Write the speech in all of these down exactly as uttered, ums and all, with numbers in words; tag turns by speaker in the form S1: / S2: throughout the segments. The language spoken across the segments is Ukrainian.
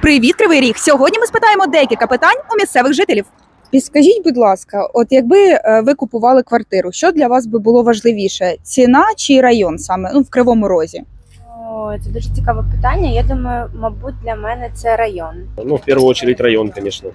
S1: Привіт, Кривий Ріг! Сьогодні ми спитаємо декілька питань у місцевих жителів. Підскажіть, будь ласка, от якби ви купували квартиру, що для вас би було важливіше? Ціна чи район саме, ну, в Кривому Розі?
S2: О, це дуже цікаве питання. Я думаю, мабуть, для мене це район.
S3: Ну, в первую очередь район, конечно.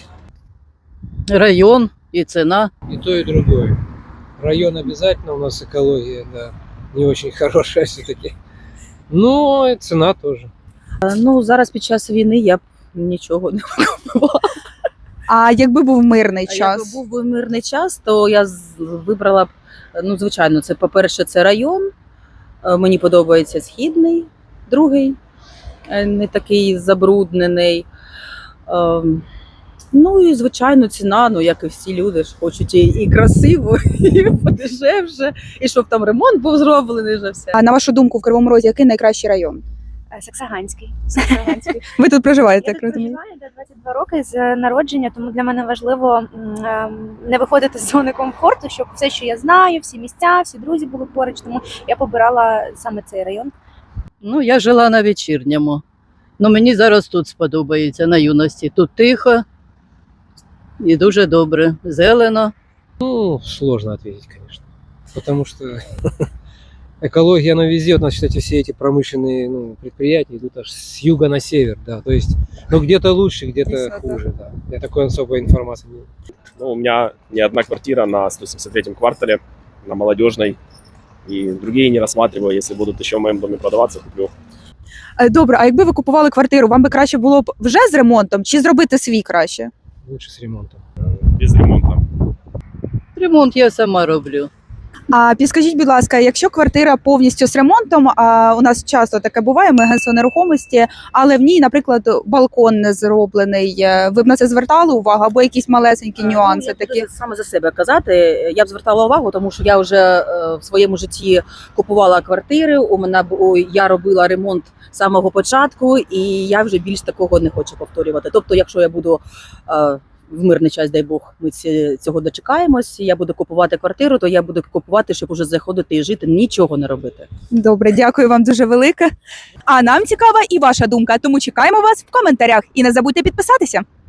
S4: Район и цена.
S5: И то, и другое. Район обязательно, у нас экология, да, не очень хорошая все-таки. Но и цена тоже.
S4: Ну, зараз під час війни я б нічого не купувала.
S1: А якби був мирний
S4: А
S1: час?
S4: якби був би мирний час, то я з- вибрала б, ну, звичайно, це, по-перше, це район. Е, Мені подобається східний, другий, е, не такий забруднений. Ем, Ну і, звичайно, ціна, ну, як і всі люди ж хочуть і, і красиво, і подешевше, і щоб там ремонт був зроблений вже все.
S1: А на вашу думку, в Кривому Розі який найкращий район?
S2: Е, Саксаганський. Саксаганський.
S1: Ви тут проживаєте,
S2: Я
S1: так
S2: тут
S1: розумію?
S2: проживаю де двадцять два роки з народження, тому для мене важливо м, ем, не виходити з зони комфорту, щоб все, що я знаю, всі місця, всі друзі були поруч, тому я побирала саме цей район.
S4: Ну, я жила на вечірньому. Ну, мені зараз тут сподобається, на юності. Тут тихо і дуже добре. Зелено.
S5: Ну, сложно ответить, конечно. Потому что экология, она везде. Вот, значит, эти все эти промышленные, ну, предприятия идут аж с юга на север, да. То есть, ну, где-то лучше, где-то
S1: Высота.
S5: хуже, да. Я такой особой информации не.
S3: Ну, у меня не одна квартира на сто семьдесят третьем квартале, на Молодежной. И другие не рассматриваю. Если будут еще в моем доме продаваться, куплю.
S1: Е, Добре, а якби ви купували квартиру, вам би краще було б вже з ремонтом чи зробити свій краще?
S5: Лучше с ремонтом.
S3: Без ремонта.
S4: Ремонт я сама роблю.
S1: А підскажіть, будь ласка, якщо квартира повністю з ремонтом, а у нас часто таке буває, ми агентство нерухомості, але в ній, наприклад, балкон не зроблений, е, ви б на це звертали увагу або якісь малесенькі нюанси
S4: Ну, я
S1: такі?
S4: буду саме за себе казати. Я б звертала увагу, тому що я вже е, в своєму житті купувала квартири. У мене бу- о, я робила ремонт з самого початку, і я вже більш такого не хочу повторювати. Тобто, якщо я буду е, в мирний час, дай Бог, ми ці- цього дочекаємось. Я буду купувати квартиру, то я буду купувати, щоб уже заходити і жити, нічого не робити.
S1: Добре, дякую вам дуже велике. А нам цікава і ваша думка, тому чекаємо вас в коментарях. І не забудьте підписатися.